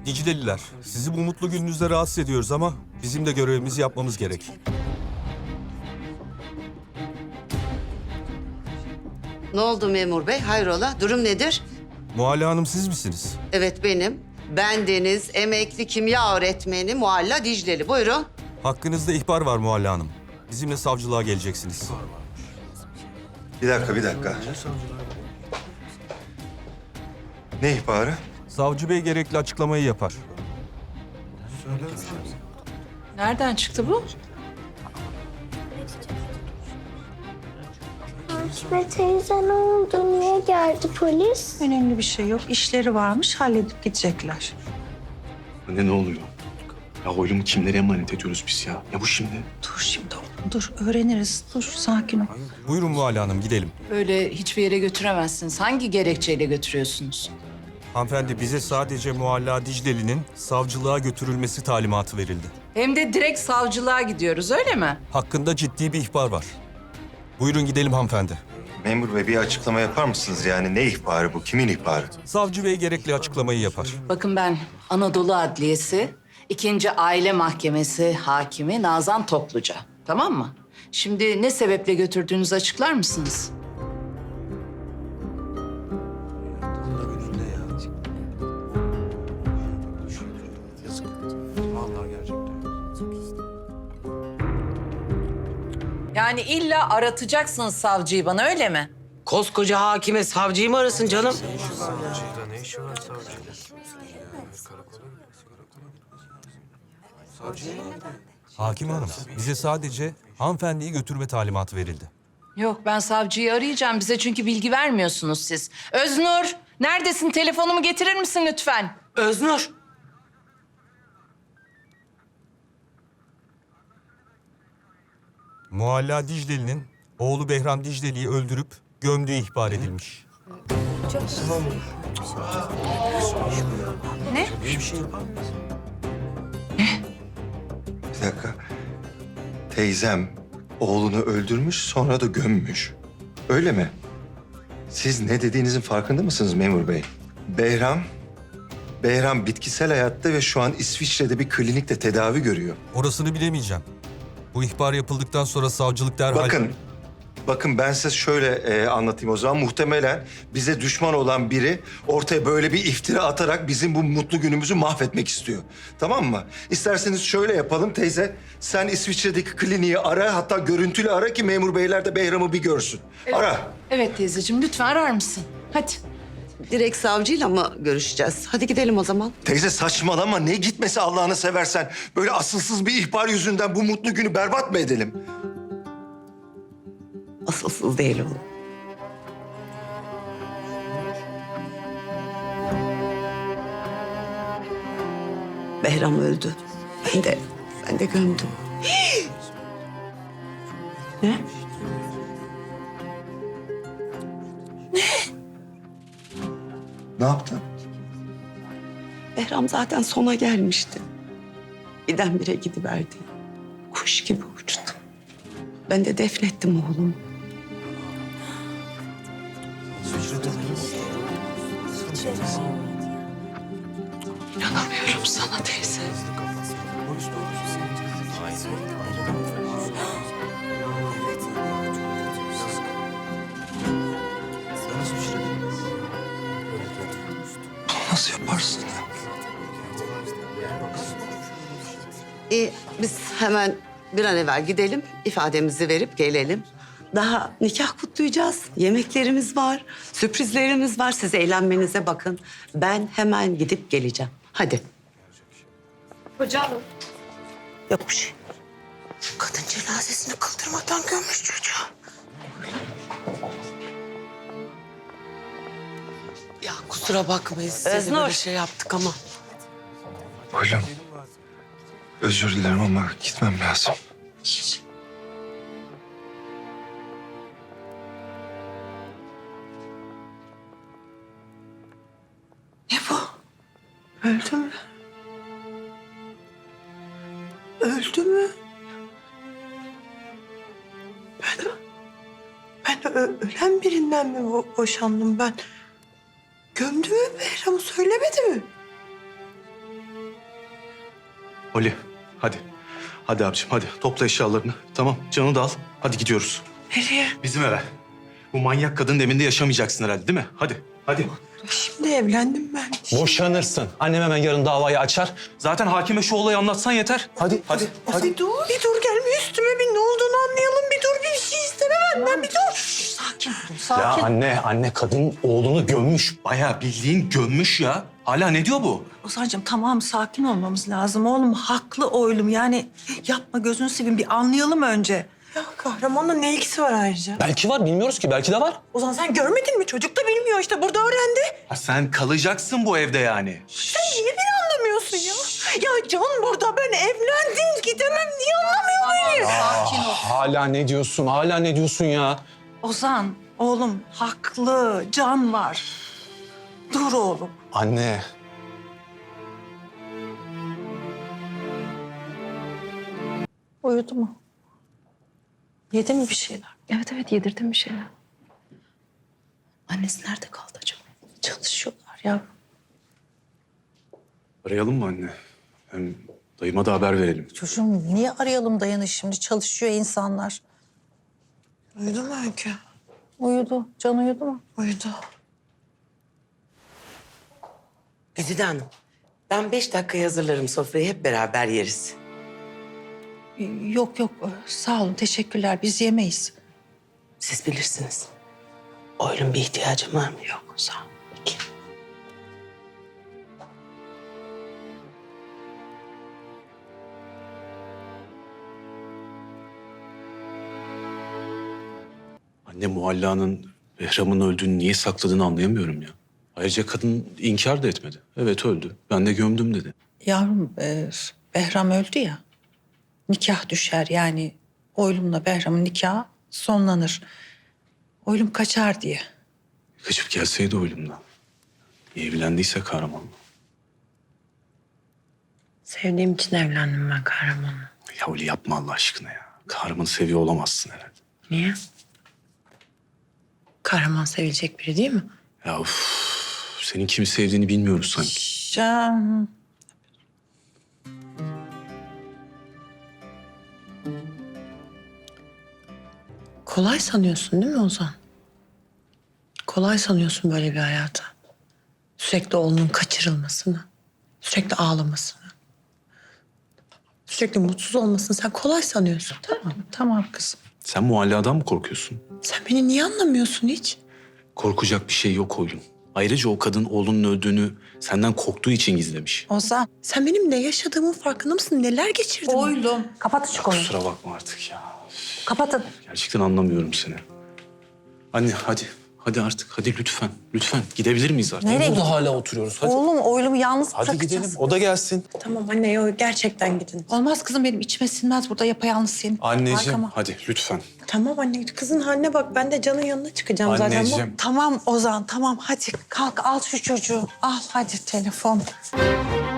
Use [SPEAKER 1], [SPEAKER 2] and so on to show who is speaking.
[SPEAKER 1] Dicleliler, sizi bu mutlu gününüzde rahatsız ediyoruz ama bizim de görevimizi yapmamız gerek.
[SPEAKER 2] Ne oldu memur bey? Hayrola? Durum nedir?
[SPEAKER 1] Muhalla Hanım siz misiniz?
[SPEAKER 2] Evet benim. Ben Deniz, emekli kimya öğretmeni Muhalla Dicleli. Buyurun.
[SPEAKER 1] Hakkınızda ihbar var Muhalla Hanım. Bizimle savcılığa geleceksiniz.
[SPEAKER 3] Bir dakika. Ne ihbarı?
[SPEAKER 1] Savcı Bey gerekli açıklamayı yapar.
[SPEAKER 4] Nereden çıktı bu?
[SPEAKER 5] Akif teyze ne oldu? Niye geldi polis?
[SPEAKER 4] Önemli bir şey yok. İşleri varmış, halledip gidecekler.
[SPEAKER 6] Anne ne oluyor? Ya oylumu kimlere emanet ediyoruz biz ya? Ya bu şimdi?
[SPEAKER 4] Dur şimdi oğlum, dur. Öğreniriz. Dur, sakin ol.
[SPEAKER 1] Buyurun Muhalla Hanım gidelim.
[SPEAKER 7] Böyle hiçbir yere götüremezsiniz. Hangi gerekçeyle götürüyorsunuz?
[SPEAKER 1] Hanımefendi bize sadece Muhalla Dicleli'nin savcılığa götürülmesi talimatı verildi.
[SPEAKER 7] Hem de direkt savcılığa gidiyoruz, öyle mi?
[SPEAKER 1] Hakkında ciddi bir ihbar var. Buyurun gidelim hanımefendi.
[SPEAKER 3] Memur bey bir açıklama yapar mısınız? Yani ne ihbarı bu? Kimin ihbarı?
[SPEAKER 1] Savcı Bey gerekli açıklamayı yapar.
[SPEAKER 7] Bakın ben Anadolu Adliyesi, 2. Aile Mahkemesi hakimi Nazan Topluca. Tamam mı? Şimdi ne sebeple götürdüğünüzü açıklar mısınız? Yani illa aratacaksınız savcıyı bana, öyle mi?
[SPEAKER 8] Koskoca hakime savcıyı mı arasın canım?
[SPEAKER 1] Hakim Hanım, bize sadece hanımefendiyi götürme talimatı verildi.
[SPEAKER 7] Yok, ben savcıyı arayacağım. Bize çünkü bilgi vermiyorsunuz siz. Öznur, neredesin? Telefonumu getirir misin lütfen?
[SPEAKER 8] Öznur.
[SPEAKER 1] Muhalla Dicleli'nin oğlu Behram Dicleli'yi öldürüp gömdüğü ihbar edilmiş.
[SPEAKER 7] Ne?
[SPEAKER 3] Bir dakika. Teyzem oğlunu öldürmüş sonra da gömmüş. Öyle mi? Siz ne dediğinizin farkında mısınız memur bey? Behram bitkisel hayatta ve şu an İsviçre'de bir klinikte tedavi görüyor.
[SPEAKER 1] Orasını bilemeyeceğim. Bu ihbar yapıldıktan sonra savcılık derhal...
[SPEAKER 3] Bakın ben size şöyle anlatayım o zaman. Muhtemelen bize düşman olan biri ortaya böyle bir iftira atarak bizim bu mutlu günümüzü mahvetmek istiyor. Tamam mı? İsterseniz şöyle yapalım teyze. Sen İsviçre'deki kliniği ara, hatta görüntülü ara ki memur beyler de Behram'ı bir görsün. Ara.
[SPEAKER 7] Evet teyzeciğim, lütfen arar mısın? Hadi.
[SPEAKER 2] Direkt savcıyla mı görüşeceğiz? Hadi gidelim o zaman.
[SPEAKER 3] Teyze saçmalama. Ne gitmesi Allah'ını seversen. Böyle asılsız bir ihbar yüzünden bu mutlu günü berbat mı edelim?
[SPEAKER 2] Asılsız değil oğlum. Behram öldü. Ben de gömdüm. Ne?
[SPEAKER 3] Ne yaptın?
[SPEAKER 2] Behram zaten sona gelmişti. Birdenbire gidiverdi. Kuş gibi uçtu. Ben de defnettim oğlumu. İnanamıyorum sana teyze.
[SPEAKER 3] Nasıl yaparsın ya?
[SPEAKER 2] İyi, biz hemen bir an evvel gidelim, ifademizi verip gelelim. Daha nikah kutlayacağız, yemeklerimiz var, sürprizlerimiz var. Siz eğlenmenize bakın. Ben hemen gidip geleceğim. Hadi.
[SPEAKER 5] Hocam.
[SPEAKER 2] Yok bir şey. Kadın cenazesini kıldırmadan gömmüş çocuğu.
[SPEAKER 8] Ya kusura bakmayın size de
[SPEAKER 2] Öznur.
[SPEAKER 8] böyle şey yaptık ama.
[SPEAKER 3] Oğlum, özür dilerim ama gitmem lazım.
[SPEAKER 2] Ne bu? Öldü mü? Öldü mü?
[SPEAKER 9] Ben ölen birinden mi boşandım ben? Gömdü mü Behram'ı söylemedi mi?
[SPEAKER 6] Oli hadi. Hadi abiciğim hadi topla eşyalarını. Tamam Can'ı da al. Hadi gidiyoruz.
[SPEAKER 9] Nereye?
[SPEAKER 6] Bizim eve. Bu manyak kadının evinde yaşamayacaksın herhalde değil mi? Hadi hadi.
[SPEAKER 9] Şimdi evlendim ben.
[SPEAKER 6] Boşanırsın. Annem hemen yarın davayı açar. Zaten hakime şu olayı anlatsan yeter. Hadi hadi.
[SPEAKER 9] Bir dur, bir dur gelme üstüme bir ne olduğunu anlayalım. Bir dur bir şey istemem benden bir dur.
[SPEAKER 4] Sakin ol,
[SPEAKER 6] Ya
[SPEAKER 4] sakin.
[SPEAKER 6] anne kadın oğlunu gömmüş. Bayağı bildiğin gömmüş ya. Hala ne diyor bu?
[SPEAKER 4] Ozan'cığım tamam sakin olmamız lazım. Oğlum haklı oğlum yani yapma gözünü seveyim bir anlayalım önce.
[SPEAKER 9] Ya kahramanla ne ilgisi var ayrıca?
[SPEAKER 6] Belki var bilmiyoruz ki belki de var.
[SPEAKER 9] Ozan sen görmedin mi? Çocuk da bilmiyor işte burada öğrendi.
[SPEAKER 6] Ha, sen kalacaksın bu evde yani.
[SPEAKER 9] Sen niye beni anlamıyorsun ya? Ya Can burada ben evlendim gidemem. Niye anlamıyor beni?
[SPEAKER 4] Sakin ol.
[SPEAKER 6] Hala ne diyorsun? Hala ne diyorsun ya?
[SPEAKER 4] Ozan oğlum haklı Can var. Dur oğlum.
[SPEAKER 6] Anne.
[SPEAKER 4] Uyudu mu? Yedi mi bir şeyler?
[SPEAKER 10] Evet yedirdim bir şeyler.
[SPEAKER 4] Annesi nerede kaldı acaba? Çalışıyorlar ya.
[SPEAKER 6] Arayalım mı anne? Hem dayıma da haber verelim.
[SPEAKER 4] Çocuğum niye arayalım dayanı şimdi? Çalışıyor insanlar.
[SPEAKER 9] Uyudu mu Öykü?
[SPEAKER 4] Uyudu. Can uyudu mu?
[SPEAKER 9] Uyudu.
[SPEAKER 8] Güzide Hanım, ben 5 dakikaya hazırlarım sofrayı, hep beraber yeriz.
[SPEAKER 4] Yok sağ olun teşekkürler biz yemeyiz.
[SPEAKER 8] Siz bilirsiniz. Oylum bir ihtiyacım var mı? Yok, sağ ol. Peki.
[SPEAKER 6] Anne Muhalla'nın Behram'ın öldüğünü niye sakladığını anlayamıyorum ya. Ayrıca kadın inkar da etmedi. Evet öldü. Ben de gömdüm dedi.
[SPEAKER 4] Yavrum Behram öldü ya. Nikah düşer yani Oylum'la Behram'ın nikahı sonlanır. Oylum kaçar diye.
[SPEAKER 6] Kaçıp gelseydi oğlumla. Evlendiyse kahramanla.
[SPEAKER 8] Sevdiğim için evlendim ben kahramanla.
[SPEAKER 6] Ya öyle yapma Allah aşkına ya. Kahramanı seviyor olamazsın herhalde.
[SPEAKER 8] Niye? Kahraman sevilecek biri değil mi?
[SPEAKER 6] Ya senin kimi sevdiğini bilmiyoruz sanki.
[SPEAKER 4] Can.
[SPEAKER 8] Kolay sanıyorsun değil mi Ozan? Kolay sanıyorsun böyle bir hayata. Sürekli oğlunun kaçırılmasını, sürekli ağlamasını, sürekli mutsuz olmasını sen kolay sanıyorsun.
[SPEAKER 4] Tamam kızım.
[SPEAKER 6] Sen Muhalla'dan mı korkuyorsun?
[SPEAKER 8] Sen beni niye anlamıyorsun hiç?
[SPEAKER 6] Korkacak bir şey yok oğlum. Ayrıca o kadın oğlunun öldüğünü senden korktuğu için gizlemiş.
[SPEAKER 4] Ozan.
[SPEAKER 8] Sen benim ne yaşadığımın farkında mısın? Neler geçirdim?
[SPEAKER 4] Oylum. Kapat şu konuyu.
[SPEAKER 6] Kusura bakma artık ya.
[SPEAKER 4] Kapatın.
[SPEAKER 6] Gerçekten anlamıyorum seni. Anne hadi. Hadi artık. Hadi lütfen. Lütfen. Gidebilir miyiz artık?
[SPEAKER 4] Nereye
[SPEAKER 6] Burada hala oturuyoruz. Hadi.
[SPEAKER 4] Oğlum Oylum'u yalnız
[SPEAKER 6] Hadi
[SPEAKER 4] bırakacağız.
[SPEAKER 6] gidelim. O da gelsin.
[SPEAKER 8] Tamam anne yok gerçekten gidin.
[SPEAKER 4] Olmaz kızım benim içime sinmez burada yapayalnız senin.
[SPEAKER 6] Anneciğim
[SPEAKER 4] Arkama.
[SPEAKER 6] hadi lütfen.
[SPEAKER 8] Tamam anne kızın haline bak ben de Can'ın yanına çıkacağım zaten.
[SPEAKER 6] Anneciğim.
[SPEAKER 4] Tamam Ozan tamam hadi kalk al şu çocuğu. Al hadi telefon.